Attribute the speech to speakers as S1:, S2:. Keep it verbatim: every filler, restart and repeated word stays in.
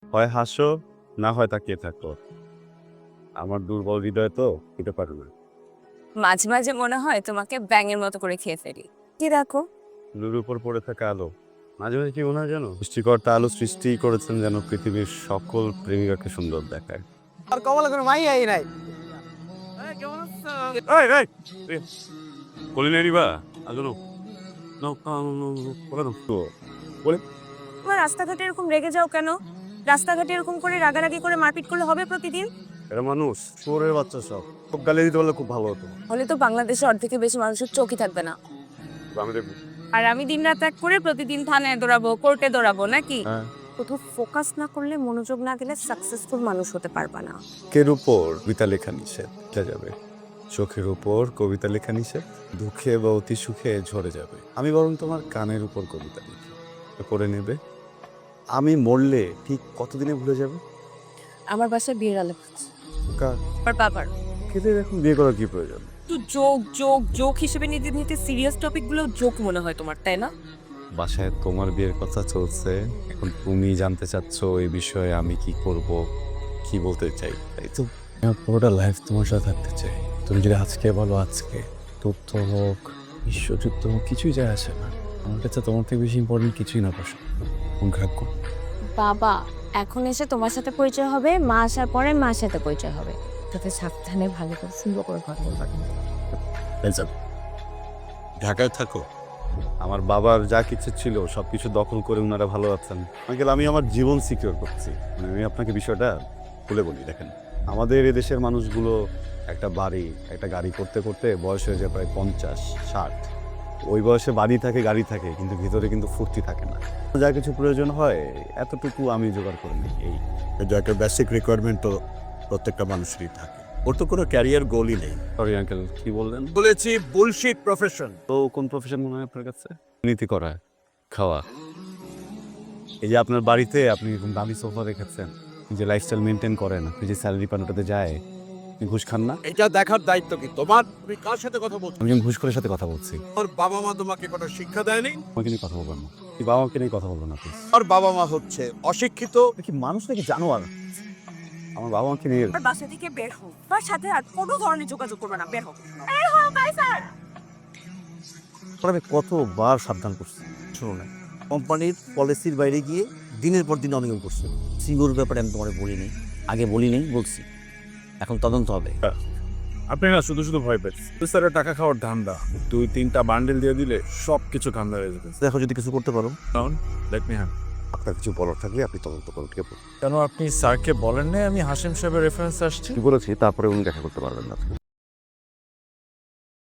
S1: হয় হাসো, না হয় তাকিয়ে থাকো। আমার দুর্বল হৃদয় তো খেতে পারে না।
S2: মাঝে মাঝে মনে হয় তোমাকে ব্যাঙের মতো করে খেয়ে ফেলি। কি রাখো?
S1: লুর উপর পড়ে থাকা আলো। মাঝে মাঝে কি মনে হয় জানো, সৃষ্টিকর্তা আলো সৃষ্টি করেছেন যেন পৃথিবীর সকল প্রেমিকাকে সুন্দর দেখায়।
S3: আর কমলা কোনো মাইয়াই নাই।
S1: এই, এই, এই, কলিনারি বা আজনো নো নো করে দাও তো বলে।
S2: তোমার রাস্তাঘাটে এরকম রেগে যাও কেন? রাস্তাঘাটে এরকম করে রাগারাগি করে মারপিট করলে হবে প্রতিদিন?
S1: এরা মানুষ, চোরের বাচ্চা সব। খুব গালি দিতে পারলে খুব ভালো হতো।
S2: হলে তো বাংলাদেশে অর্ধেকের বেশি মানুষের চোখই থাকবে না।
S1: আমি দেখবো।
S2: আর আমি দিনরাত এক করে প্রতিদিন থানায় দৌড়াবো, কোর্টে দৌড়াবো নাকি?
S1: হ্যাঁ।
S2: কোথাও ফোকাস না করলে, মনোযোগ না গেলে সাকসেসফুল মানুষ হতে পারবা না।
S1: চোখের উপর কবিতা লেখা নিষেধ, এটা যাবে। চোখের উপর কবিতা লেখা নিষেধ, দুঃখে বা অতি সুখে ঝরে যাবে। আমি বরং তোমার কানের উপর কবিতা লিখি, করে নেবে। আমি মরলে ঠিক কতদিনে ভুলে যাবে?
S2: আমার বাসায় বিয়ের আলাপ হচ্ছে।
S1: কার?
S2: আর বাবার
S1: খেতে এখন বিয়ে করার কি প্রয়োজন?
S2: তো যোগ যোগ যোগ হিসেবে নিতে নিতে সিরিয়াস টপিক গুলো যোগ মনে হয় তোমার, তাই না?
S1: বাসায় তোমার বিয়ের কথা চলছে, এখন তুমি জানতে চাচ্ছ এই বিষয়ে আমি কি করব, কি বলতে চাই, তাই তো? আমার পুরোটা লাইফ তোমার সাথে থাকতে চাই। তুমি যদি আজকে বলো আজকে, তথ্য হোক, বিশ্বযুদ্ধ হোক, কিছুই যায় আসে না। আমার কাছে তোমার থেকে বেশি ইম্পর্টেন্ট কিছুই না পাশে। কোন ভাগ্য।
S2: বাবা এখন এসে তোমার সাথে পরিচয় হবে, মা আসার পরে মার সাথে পরিচয় হবে। তাতে সাবধানে ভালো করে সুন্দর করে কথা বলবা।
S1: ঢাকায় থাকো। আমার বাবার যা কিছু ছিল সব কিছু দখল করে ওনারা ভালো আছেন। আঙ্কেল, আমি আমার জীবন সিকিউর করছি। মানে আমি আপনাকে বিষয়টা খুলে বলি, দেখেন, আমাদের এদেশের মানুষগুলো একটা বাড়ি একটা গাড়ি করতে করতে বয়স হয়ে যায় প্রায় পঞ্চাশ ষাট। ওই বয়সে বাড়ি থাকে, গাড়ি থাকে, কিন্তু ভিতরে কিন্তু ফুর্তি থাকে না। যা কিছু প্রয়োজন হয় এতটুকু আমি জোগাড় করে নিই। এই
S4: এটা একটা বেসিক রিকোয়ারমেন্ট তো প্রত্যেকটা মানুষেরই থাকে। ওর তো কোনো ক্যারিয়ার গোলই নেই।
S1: সরি আঙ্কেল, কি বললেন?
S4: বলেছি বুলশিট প্রফেশন।
S1: তো কোন প্রফেশন মনে হয় আপনার কাছে? নীতি করা, খাওয়া। এই যে আপনার বাড়িতে আপনি এরকম দামি সোফা রেখেছেন, যে লাইফস্টাইল মেনটেন করেন, আপনি যে স্যালারি পান ওটাতে যায়, আপনি ঘুষ খান না?
S4: এটা দেখার দায়িত্ব কি তোমার? তুমি কার সাথে কথা বলছো?
S1: আমি যখন ঘুষ করে সাথে কথা বলছি।
S4: তোর বাবা মা তোমাকে কোনো শিক্ষা দেয়নি?
S1: আমাকে নিয়ে কথা বলবেন না, কি বাবা মাকে নিয়ে কথা বলবেন না প্লিজ।
S4: আর বাবা মা হচ্ছে অশিক্ষিত।
S1: কি মানুষ নাকি জানোয়ার? আমার বাবা মাকে নিয়ে
S2: আর বাসা থেকে বের হও, তার সাথে আর কোনো ধরনের যোগাযোগ করবে না, বের হও। বের হও কাইসার।
S5: আমি কতবার সাবধান করছি, শোনো না। কোম্পানির পলিসির বাইরে গিয়ে দিনের পর দিন অনিয়ম করছে। সিঙ্গুর ব্যাপারে আমি তোমার বলি নেই, আগে বলি নেই, বলছি। এখন তদন্ত হবে।
S6: আপনি না শুধু শুধু ভয় পেয়েছেন। স্যারের টাকা খাওয়ার ধান্দা, দুই তিনটা বান্ডেল দিয়ে দিলে সব কিছু ধান্দা হয়ে যাবে।
S5: দেখো যদি কিছু করতে পারো।
S6: Let me hand.
S4: আপনার কিছু বলার থাকলে আপনি তদন্ত করুন, ঠিক আছে?
S6: কেন আপনি স্যারকে বলেন না আমি হাসিম সাহেবের রেফারেন্স আসছি?
S4: কি বলেছি তারপরে উনি দেখা করতে পারবেন না।